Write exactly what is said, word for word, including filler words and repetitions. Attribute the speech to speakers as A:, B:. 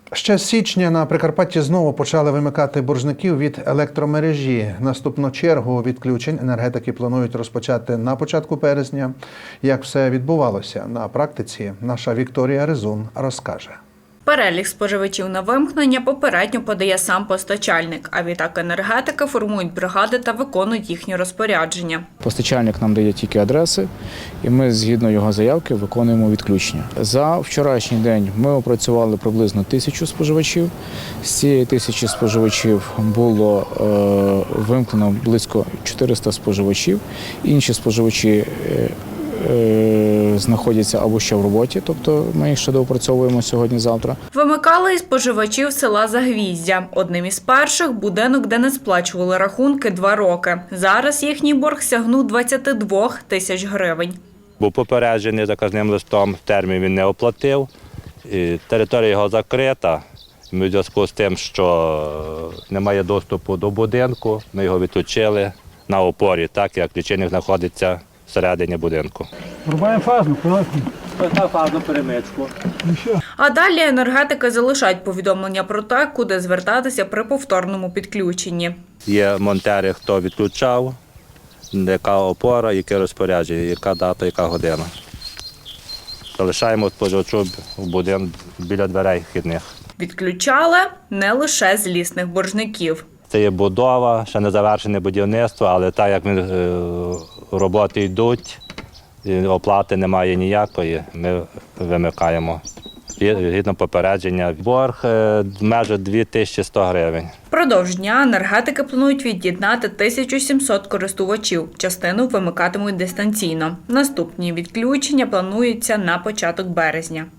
A: Ще з січня на Прикарпатті знову почали вимикати боржників від електромережі. Наступну чергу відключень енергетики планують розпочати на початку березня. Як все відбувалося на практиці, наша Вікторія Резун розкаже.
B: Перелік споживачів на вимкнення попередньо подає сам постачальник, а відтак енергетики формують бригади та виконують їхні розпорядження.
C: Постачальник нам дає тільки адреси, і ми згідно його заявки виконуємо відключення. За вчорашній день ми опрацювали приблизно тисячу споживачів. З цієї тисячі споживачів було е, вимкнено близько чотириста споживачів. Інші споживачі е, знаходяться або ще в роботі, тобто ми їх ще доопрацьовуємо сьогодні-завтра.
B: Вимикали і споживачів села Загвіздя. Одним із перших – будинок, де не сплачували рахунки два роки. Зараз їхній борг сягнув двадцяти двох тисяч гривень.
D: Був попереджений заказним листом, термін він не оплатив, і територія його закрита. Ми в зв'язку з тим, що немає доступу до будинку, ми його відключили на опорі, так як лічильник знаходиться всередині будинку.
E: Врубаємо фазну, коротко.
D: На фазну перемичку.
B: А далі енергетики залишають повідомлення про те, куди звертатися при повторному підключенні.
D: Є монтери, хто відключав, яка опора, яке розпорядження, яка дата, яка година. Залишаємо споживачу в будинку біля дверей вхідних.
B: Відключали не лише злісних боржників.
D: Це є будова, ще не завершене будівництво, але так як ми, е, роботи йдуть, і оплати немає ніякої, ми вимикаємо. Згідно попередження, борг е, майже дві тисячі сто гривень.
B: Впродовж дня енергетики планують від'єднати тисячу сімсот користувачів. Частину вимикатимуть дистанційно. Наступні відключення плануються на початок березня.